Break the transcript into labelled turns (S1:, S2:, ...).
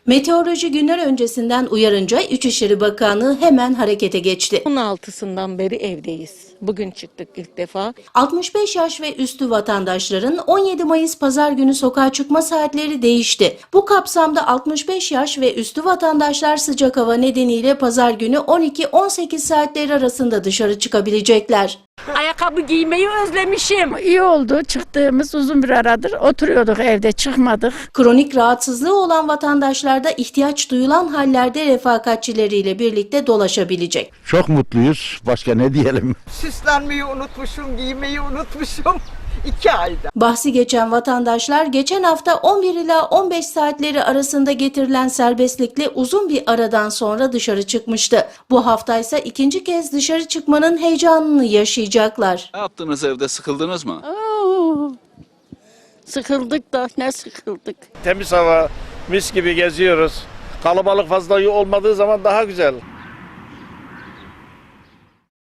S1: Meteoroloji günler öncesinden uyarınca İçişleri Bakanlığı hemen harekete geçti.
S2: 16'sından beri evdeyiz. Bugün çıktık ilk defa.
S1: 65 yaş ve üstü vatandaşların 17 Mayıs Pazar günü sokağa çıkma saatleri değişti. Bu kapsamda 65 yaş ve üstü vatandaşlar sıcak hava nedeniyle Pazar günü 12-18 saatleri arasında dışarı çıkabilecekler.
S2: Ayakkabı giymeyi özlemişim.
S3: İyi oldu. Çıktığımız uzun bir aradır oturuyorduk evde, çıkmadık.
S1: Kronik rahatsızlığı olan vatandaşlar da ihtiyaç duyulan hallerde refakatçileriyle birlikte dolaşabilecek.
S4: Çok mutluyuz. Başka ne diyelim?
S5: Süslenmeyi unutmuşum, giymeyi unutmuşum. 2 ayda.
S1: Bahsi geçen vatandaşlar geçen hafta 11 ila 15 saatleri arasında getirilen serbestlikle uzun bir aradan sonra dışarı çıkmıştı. Bu hafta ise ikinci kez dışarı çıkmanın heyecanını yaşayacaklar.
S6: Ne yaptınız evde, sıkıldınız mı?
S2: Sıkıldık da ne sıkıldık.
S7: Temiz hava, mis gibi geziyoruz. Kalabalık fazla olmadığı zaman daha güzel.